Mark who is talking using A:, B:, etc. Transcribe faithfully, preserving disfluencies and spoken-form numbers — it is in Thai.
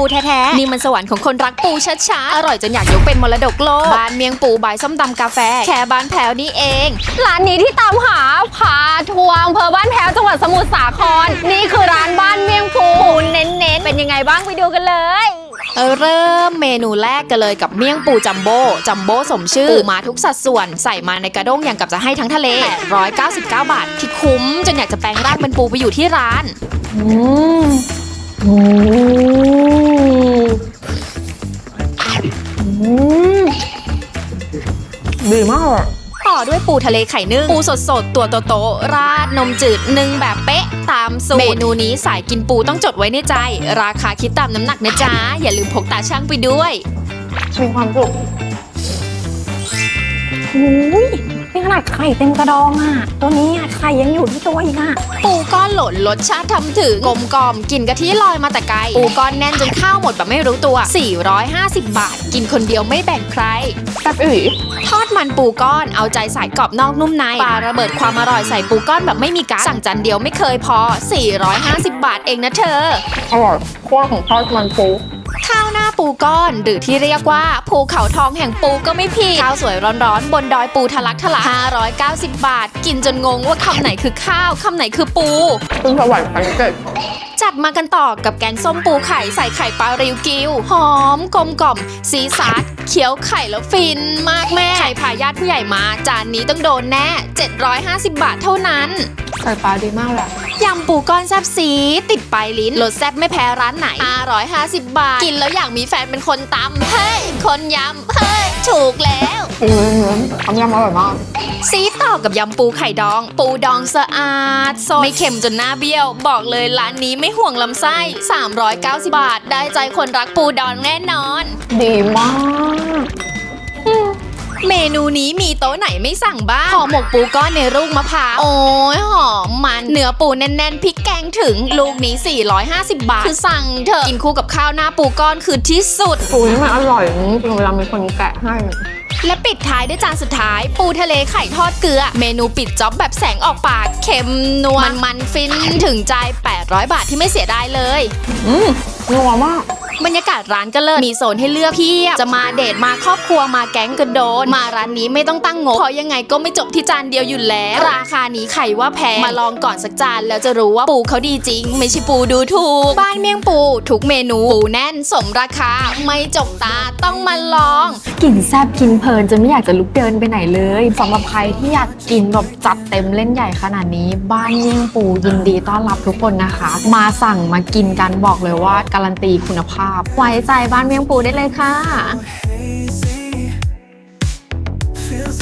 A: แท้ๆนี่มันสวรรค์ของคนรักปูชัดๆอร่อยจนอยากยกเป็นมรดกโลกบ้านเมียงปูบายส้มตำกาแฟแค่บ้านแพ้วนี่เอง
B: ร้านนี้ที่ตามหาพาทัวร์อำเภอบ้านแพ้วจังหวัดสมุทรสาครนี่คือร้านบ้านเมียงปูเน้นๆเป็นยังไงบ้างไปดูกันเลย
A: เริ่มเมนูแรกกันเลยกับเมี่ยงปูจัมโบ้จัมโบ้สมชื่อปูมาทุกสัดส่วนใส่มาในกระด้งอย่างกับจะให้ทั้งทะเลแปดร้อยเก้าสิบเก้าบาทที่คุ้มจนอยากจะแปลงร่างเป็นปูไปอยู่ที่ร้าน
B: อืมอืมอืมดีมาก
A: ต่อด้วยปูทะเลไข่นึ่งปูสดๆตัวโตๆราดนมจืดนึ่งแบบเป๊ะตามสูตรเมนูนี้สายกินปูต้องจดไว้ในใจราคาคิดตามน้ำหนักนะจ๊ะอย่าลืมพกตาช่างไปด้วย
B: มีความสุขอุ้ยนี่ขนาดไข่เต็มกระดองอ่ะตัวนี้ไข่ยังอยู่ที่ตัวอีกอ่ะ
A: ปูก้อนหล่นรสชาติทำถึงกลมกล่อมกลิ่นกะทิลอยมาแต่ไกลปูก้อนแน่นจนข้าวหมดแบบไม่รู้ตัวสี่ร้อยห้าสิบบาทกินคนเดียวไม่แบ่งใคร
B: แซ่บอี
A: ทอดมันปูก้อนเอาใจสายกรอบนอกนุ่มในปลาระเบิดความอร่อยใส่ปูก้อนแบบไม่มีกั๊กสั่งจานเดียวไม่เคยพอสี่ร้อยห้าสิบบาทเองนะเธอ
B: อร่อยขั้วของทอดมันปู
A: ข้าวหน้าปูก้อนหรือที่เรียกว่าภูเขาทองแห่งปูก็ไม่ผิดข้าวสวยร้อนๆบนดอยปูทะลักทะลักห้าร้อยเก้าสิบบาทกินจนงงว่าคำไหนคือข้าวคำไหนคือปู
B: คุณสวรรค์พันเจ็ด
A: จัดมากันต่อกับแกงส้มปูไข่ใส่ไข่ปลาริวกิวหอมกลมกล่อมซีซัดเคี้ยวไข่แล้วฟินมากแม่ใครพาญาติผู้ใหญ่มาจานนี้ต้องโดนแน่เจ็ดร้อยห้าสิบบาทเท่านั้น
B: ไข่ปลาดีมากแหละ
A: ยำปูก้อนแซ่บซีติดปลายลิ้นรสแซ่บไม่แพ้ร้านไหนห้าร้อยห้าสิบบาทกินแล้วอยากมีแฟนเป็นคนตำเฮ้ยคนยำเฮ้ยถูกแล้ว
B: อืมทำยำอร่อยมาก
A: ซีต่อกับยำปูไข่ดองปูดองสะอาดสดไม่เค็มจนหน้าเบี้ยวบอกเลยร้านนี้ไม่ห่วงลำไส้สามร้อยเก้าสิบบาทได้ใจคนรักปูดองแน่นอน
B: ดีมาก
A: เมนูนี้มีโต๊ะไหนไม่สั่งบ้างห่อหมกปูก้อนในลูกมะพร้าวโอ้ยหอมมันเนื้อปูแน่นๆพริกแกงถึงลูกนี้สี่ร้อยห้าสิบบาทคือสั่งเถอะกินคู่กับข้าวหน้าปูก้อนคือที่สุด
B: ปูนี่มันอร่อยจริงเวลามีคนแกะให้
A: และปิดท้ายด้วยจานสุดท้ายปูทะเลไข่ทอดเกลือเมนูปิดจ๊อบแบบแสงออกปากเค็มนัวมันมันฟินถึงใจแปดร้อยบาทที่ไม่เสียดายเลย
B: อืมนัวมาก
A: บรรยากาศร้านก็เลิศมีโซนให้เลือกเพียบจะมาเดทมาครอบครัวมาแก๊งกระโดนมาร้านนี้ไม่ต้องตั้งงบเพราะยังไงก็ไม่จบที่จานเดียวอยู่แล้วราคานี้ไข่ว่าแพงมาลองก่อนสักจานแล้วจะรู้ว่าปูเขาดีจริงไม่ใช่ปูดูถูกบ้านเมี่ยงปูทุกเมนูปูแน่นสมราคาไม่จกตาต้องมาลอง
B: กินแซ่บกินเพลินจนไม่อยากจะลุกเดินไปไหนเลยสำหรับใครที่อยากกินแบบจัดเต็มเล่นใหญ่ขนาดนี้บ้านเมี่ยงปูยินดีต้อนรับทุกคนนะคะมาสั่งมากินกันบอกเลยว่าการันตีคุณภาพไว้ใจบ้านเมี่ยงปูได้เลยค่ะ